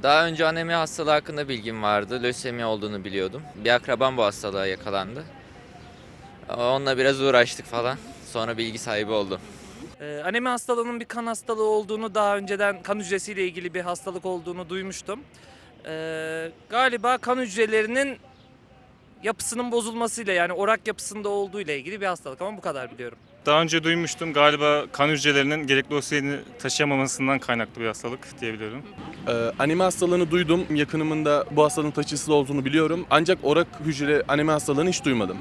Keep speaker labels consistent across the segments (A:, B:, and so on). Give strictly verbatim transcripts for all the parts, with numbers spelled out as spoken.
A: Daha önce anemi hastalığı hakkında bilgim vardı. Lösemi olduğunu biliyordum. Bir akrabam bu hastalığa yakalandı. Onunla biraz uğraştık falan. Sonra bilgi sahibi oldum.
B: Ee, anemi hastalığının bir kan hastalığı olduğunu daha önceden kan hücresiyle ilgili bir hastalık olduğunu duymuştum. Ee, galiba kan hücrelerinin yapısının bozulmasıyla yani orak yapısında olduğu ile ilgili bir hastalık ama bu kadar biliyorum.
C: Daha önce duymuştum, galiba kan hücrelerinin gerekli oksijeni taşıyamamasından kaynaklı bir hastalık diyebiliyorum.
D: Ee, anemi hastalığını duydum. Yakınımın da bu hastalığın taşıyıcısı olduğunu biliyorum. Ancak orak hücre anemi hastalığını hiç duymadım.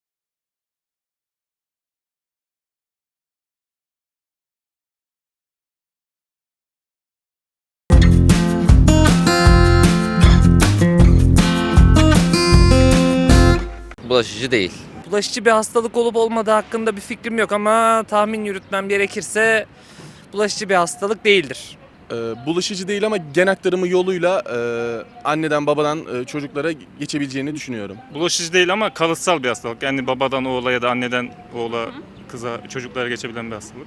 A: Bulaşıcı değil.
B: Bulaşıcı bir hastalık olup olmadığı hakkında bir fikrim yok ama tahmin yürütmem gerekirse bulaşıcı bir hastalık değildir.
D: Ee, bulaşıcı değil ama gen aktarımı yoluyla e, anneden babadan e, çocuklara geçebileceğini düşünüyorum.
C: Bulaşıcı değil ama kalıtsal bir hastalık. Yani babadan oğula ya da anneden oğula, kıza, çocuklara geçebilen bir hastalık.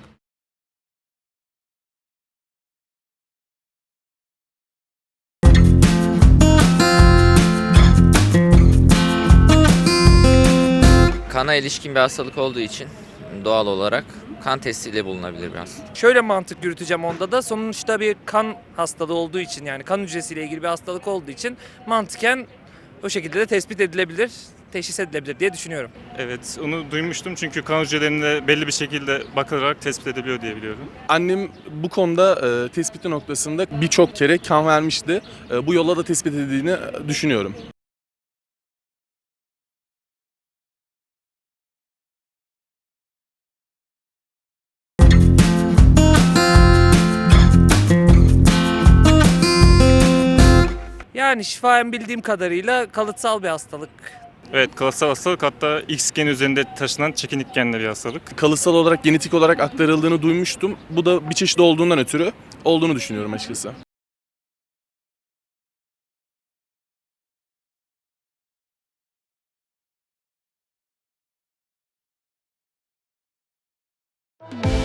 A: Kana ilişkin bir hastalık olduğu için doğal olarak kan testiyle bulunabilir bir hastalık.
B: Şöyle mantık yürüteceğim onda da sonuçta bir kan hastalığı olduğu için yani kan hücresiyle ilgili bir hastalık olduğu için mantıken o şekilde de tespit edilebilir, teşhis edilebilir diye düşünüyorum.
C: Evet, onu duymuştum çünkü kan hücrelerinde belli bir şekilde bakılarak tespit ediliyor diye biliyorum.
D: Annem bu konuda e, tespiti noktasında birçok kere kan vermişti. E, bu yolla da tespit edildiğini düşünüyorum.
B: Yani şifayen bildiğim kadarıyla kalıtsal bir hastalık.
C: Evet, kalıtsal hastalık, hatta X geni üzerinde taşınan çekinik genli bir hastalık.
D: Kalıtsal olarak, genetik olarak aktarıldığını duymuştum. Bu da bir çeşit olduğundan ötürü olduğunu düşünüyorum açıkçası.
E: Thank you.